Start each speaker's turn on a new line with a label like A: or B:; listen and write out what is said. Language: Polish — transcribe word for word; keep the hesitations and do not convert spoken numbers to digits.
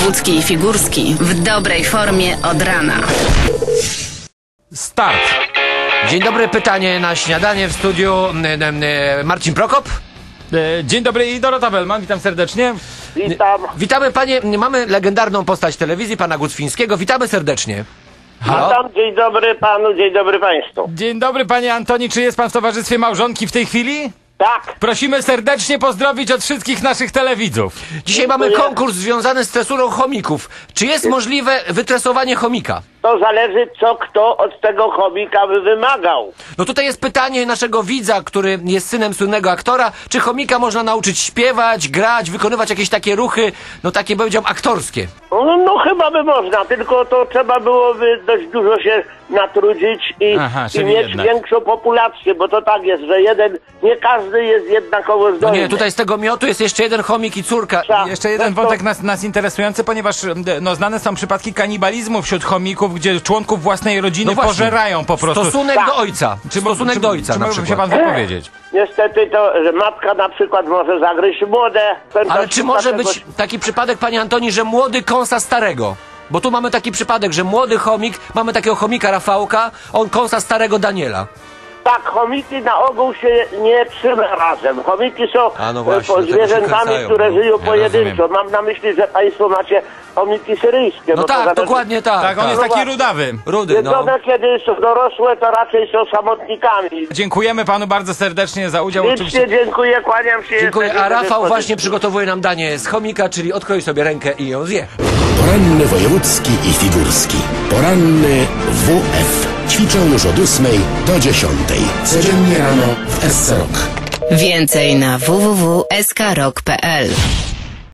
A: Wojewódzki i Figurski w dobrej formie od rana.
B: Start.
C: Dzień dobry, pytanie na śniadanie w studiu Marcin Prokop.
B: Dzień dobry i Dorota Wellman, witam serdecznie.
D: Witam.
C: Witamy panie, mamy legendarną postać telewizji, pana Gucwińskiego, witamy serdecznie. Halo?
D: Witam, dzień dobry panu, dzień dobry państwu.
B: Dzień dobry panie Antoni, czy jest pan w towarzystwie małżonki w tej chwili?
D: Tak.
B: Prosimy serdecznie pozdrowić od wszystkich naszych telewidzów.
C: Dzisiaj mamy konkurs związany z tresurą chomików. Czy jest możliwe wytresowanie chomika?
D: To zależy, co kto od tego chomika by wymagał.
C: No tutaj jest pytanie naszego widza, który jest synem słynnego aktora. Czy chomika można nauczyć śpiewać, grać, wykonywać jakieś takie ruchy, no takie powiedziałbym aktorskie?
D: No, no chyba by można, tylko to trzeba byłoby dość dużo się natrudzić i,
B: Aha,
D: i
B: czyli
D: mieć
B: jednak.
D: większą populację, bo to tak jest, że jeden, nie każdy jest jednakowo
C: No
D: zdolny.
C: nie, tutaj z tego miotu jest jeszcze jeden chomik i córka.
D: Tak.
B: Jeszcze jeden
D: No to-
B: wątek nas, nas interesujący, ponieważ no, znane są przypadki kanibalizmu wśród chomików, gdzie członków własnej rodziny
C: No właśnie.
B: pożerają po prostu.
C: Stosunek
D: Tak.
C: do ojca. Stosunek
B: czy,
C: do ojca
B: czy
C: na
B: mógłby
C: przykład.
B: się pan wypowiedzieć?
D: Niestety to, że matka na przykład może zagryźć młode.
C: Ale czy może być taki przypadek, panie Antoni, że młody kąsa starego? Bo tu mamy taki przypadek, że młody chomik, mamy takiego chomika Rafałka, on kąsa starego Daniela.
D: Tak, chomiki na ogół się nie trzyma razem. Chomiki są
C: A no
D: e,
C: właśnie,
D: po
C: dlatego się
D: zwierzętami,
C: kręcają,
D: które
C: no.
D: żyją
B: Ja
D: pojedynczo. Mam na myśli, że państwo macie chomiki syryjskie.
C: No
D: bo to
C: tak,
D: zależy-
C: dokładnie tak.
B: Tak, on jest
D: No
B: taki
D: właśnie.
B: rudawy.
C: Rudy, no.
D: Jedzone, kiedy są dorosłe, to raczej są samotnikami.
B: Dziękujemy panu bardzo serdecznie za udział.
D: Licznie
B: Oczywiście.
D: dziękuję, kłaniam się.
C: Dziękuję.
D: jesteśmy
C: A
D: do
C: Rafał
D: dyspozycji.
C: właśnie przygotowuje nam danie z chomika, czyli odkroi sobie rękę i ją zje.
E: Poranny wojewódzki i figurski. Poranny W F. Ćwiczą już od ósmej do dziesiątej. Codziennie rano w S C Rock.
A: Więcej na w w w kropka s k rock kropka p l.